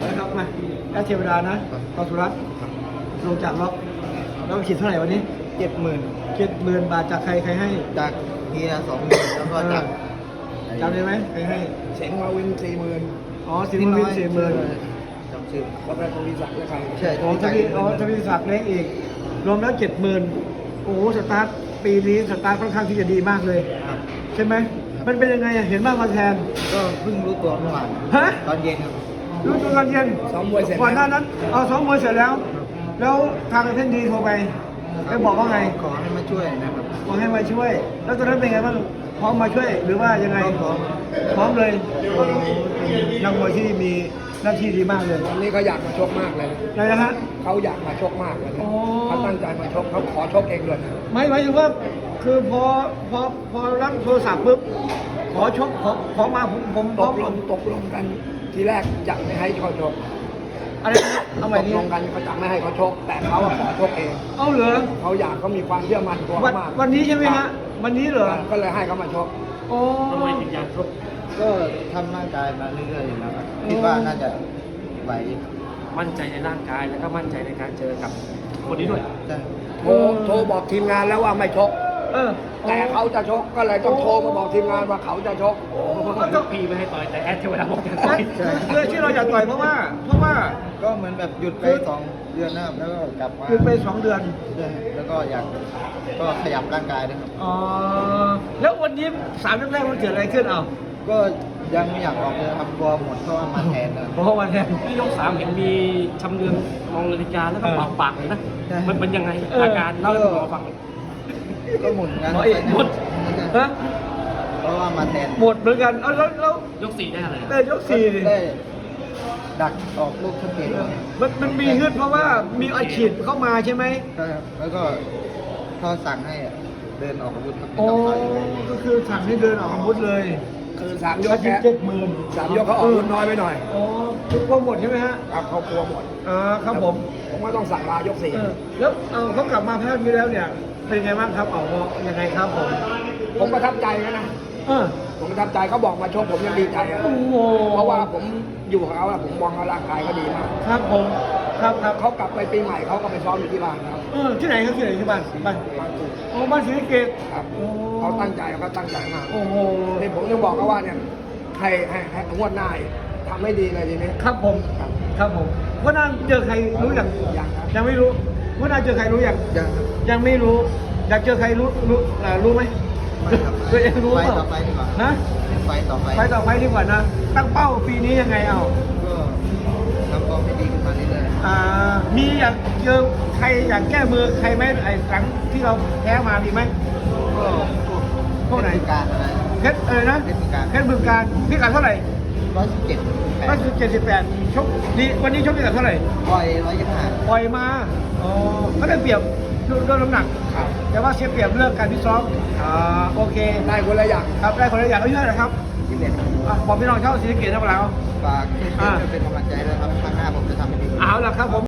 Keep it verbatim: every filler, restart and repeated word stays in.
นะครับมาแอดเทวดานะกอสุรัตน์ลงจากล็อกแล้วขีดเท่าไหร่วันนี้เจ็ดหมื่นเจ็ดหมื่นบาทจากใครใครให้จากเฮียสองหมื่นแล้วก็จากจำได้ไหมใครให้เสียงมาวินสี่หมื่นอ๋อสิบหมื่นสี่หมื่นจำชื่อแล้วก็ทวีศักดิ์และใครใช่อ๋อทวีอ๋อทวีศักดิ์เล็กอีกรวมแล้วเจ็ดหมื่นโอ้โหสตาร์ทปีนี้สตาร์ทค่อนข้างที่จะดีมากเลยครับใช่ไหมมันเป็นยังไงอะเห็นบ้างมาแทนก็เพิ่งรู้ตัวเมื่อวานฮะตอนเย็นครับรู้ตัวตอนเย็นซ้อมมวยเสร็จก่อนหน้านั้นเอาซ้อมมวยเสร็จแล้ว แล้วทางเท่นดีโทรไปไปบอกว่าไงขอให้มาช่วยนะครับขอให้มาช่วย แล้วตอนนั้นเป็นไงบ้างพร้อมมาช่วยหรือว่ายังไงก็พร้อมพร้อมเลยนักมวยที่มีหน้าที่ดีมากเลยวันนี้เขาอยากมาชกมากเลยนะอะไรนะฮะเขาอยากมาชกมากเลยนะอ๋อเขาตั้งใจมาชกเขาขอชกเองด้วยนะไม่หมายถึงว่าคือพอพอพอรับโทรศัพท์ปุ๊บขอชกขอขอมาผมผมพตร้อมกลงตกลงกันทีแรกจะไม่ให้เขาชกอะไรนะเอาใหม่ตกนี้ลงกันเขาจะไม่ให้เขาชก แต่เขาอะขอชกเองเอาเหรอเขาอยากเขามีความเชื่อมั่นตัววันมากวันนี้ใช่ไหมฮะวันนี้เหรอก็เลยให้เขามาชกโอ้ก็ทำร่างกายมาเรื่อยๆอยู่แล้วครับคิดว่าน่าจะไหวมั่นใจในร่างกายแล้วก็มั่นใจในการเจอกับคนนี้ด้วยใช่โทรโทรบอกทีมงานแล้วว่าไม่ชกเออแต่เขาจะชกก็เลยต้องโทรมาบอกทีมงานว่าเขาจะชกพีไม่ให้ต่อยแต่แอดเทวดาบอกจะใช่ต่อยคือที่เราอยากต่อยเพราะว่า เพราะว่าก็เหมือนแบบหยุดไปสองเดือนนะครับแล้วก็กลับมาคือไปสองเดือนใช่แล้วก็อยากก็ขยับร่างกายด้วยครับอ๋อแล้ววันนี้สามยกแรกมันเกิดอะไรขึ้นเอาก็ยังไม่อยากออกเลยครับกลัวหมดเพราะว่ามาแทนนะเพราะวันแทนที่ยกสามเห็นมีชำเลืองมองนาฬิกาแล้วก็เป่าปากเลยนะใช่มันเป็นยังไงเอออาการเล่าให้ผมฟังหน่อยก็หมุนกันหมดอีกหมด ฮะเพราะว่ามาแทนหมดเหมือนกันเอาแล้วแล้วยกสี่ได้อะไรได้ยกสี่ดิได้ดักออกลูกชัดเจนเลยมันมันมีฮึดเพราะว่ามีอาชีพเข้ามาใช่ไหมครับแล้วก็เขาสั่งให้เดินออกอาวุธครับไม่โอ้ต้องต่อยก็คือสั่งให้เดินออกอาวุธเลยคือสามยยกกแค่เจ็ดหมื่นสามยกเขาออกรุ่นน้อยไปหน่อยอ๋อทุกคนหมดใช่ไหมฮะครับเขากลัวหมดอ่าครับผมผมก็ต้องสั่งลายกสี่เออแล้วเอาเขากลับมาแพ้นี้แล้วเนี่ยเป็นไงบ้างครับเอายังไงครับผมผมประทับใจนะนะเออผมประทับใจเขาบอกมาชกผมยังดีใจอะโอ้โหเพราะว่าผมอยู่กับเขาอะผมมองเขาร่างกายเขาดีมากครับผมครับครับเขากลับไปปีใหม่เขาก็ไปซ้อมอยู่ที่บ้านครับเออที่ไหนครับที่ไหนที่บ้านบ้านบางจุดโอ้บ้านศรีสะเกษครับโอ้เขาตั้งใจเขาตั้งใจมากโอ้โหนี่ผมยังบอกเขาว่าเนี่ยให้ให้ให้งวดหน้าอีกทำให้ดีเลยทีนี้ครับผมครับครับผมว่าน่าเจอใครรู้ยังยังครับยังไม่รู้ว่าน่าเจอใครรู้ยังยังครับยังไม่รู้ อยากเจอใครรู้รู้อ่ารู้ไหมไม่ครับตัวเองรู้ไฟเปล่าต่อไปดีกว่าฮะไฟต่อไปไปต่อไปดีกว่านะ ตั้งเป้าปีนี้ยังไงเอาก็ทำฟอร์มให้ดีขึ้นมาเรื่อยอ่ามีอยากเจอใครอยากแก้มือใครไหมไอ้หลังที่เราแพ้มามีไหมๆก็พวกพวกไหนเทศการอะไรเพชรเออนะเพชรบึงกาฬเพชรบึงการพิกัดเท่าไหร่ร้อยสิบเจ็ดแปร้อยดสิบเจ็ดสิบแปดชกดีวันนี้ชกพิกัดเท่าไหร่ปล่อยร้อยยี่สิบห้าปล่อยมาอ๋อก็ได้เปรียบเรื่องน้ำหนักครับแต่ว่าเสียเปรียบเรื่องการพิซ้อมอ่าโอเคได้คนละอย่างครับได้คนละอย่างเอาเยอะนะครับสิบเอ็ดอ่ะบอกพี่น้องชาวศรีสะเกษนะพวกเราฝากช่วยๆเป็นกำลังใจด้วยครับครั้งหน้าผมจะทำให้ดีเอาล่ะครับผม